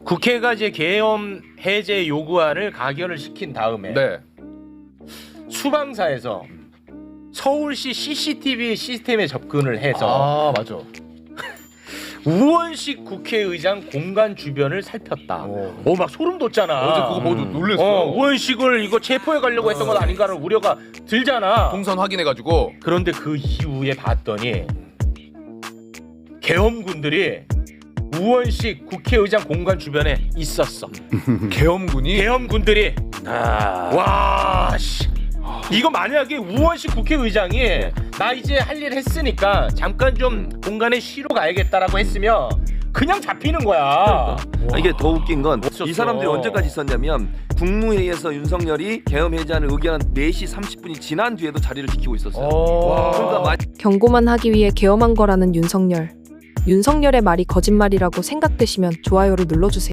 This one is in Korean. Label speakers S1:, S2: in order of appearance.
S1: 국회가 이제 계엄 해제 요구안을 가결을 시킨 다음에
S2: 네.
S1: 수방사에서 서울시 CCTV 시스템에 접근을 해서
S2: 맞아.
S1: 우원식 국회의장 공간 주변을 살폈다. 막 소름 돋잖아.
S2: 어제 그거 보고 놀랬어.
S1: 우원식을 이거 체포해 가려고 했던 건 아닌가라는 우려가 들잖아.
S2: 동선 확인해가지고.
S1: 그런데 그 이후에 봤더니 계엄군들이 우원식 국회의장 공간 주변에 있었어.
S2: 계엄군이.
S1: 계엄군들이 와 씨. 이거 만약에 우원식 국회의장이 나 이제 할 일 했으니까 잠깐 좀 공간에 쉬러 가야겠다라고 했으면 그냥 잡히는 거야.
S3: 이게 더 웃긴 건
S1: 없었어.
S3: 이 사람들이 언제까지 있었냐면 국무회의에서 윤석열이 계엄 해제안을 의결한 4시 30분이 지난 뒤에도 자리를 지키고 있었어요. 그러니까
S4: 경고만 하기 위해 계엄한 거라는 윤석열. 윤석열의 말이 거짓말이라고 생각되시면 좋아요를 눌러주세요.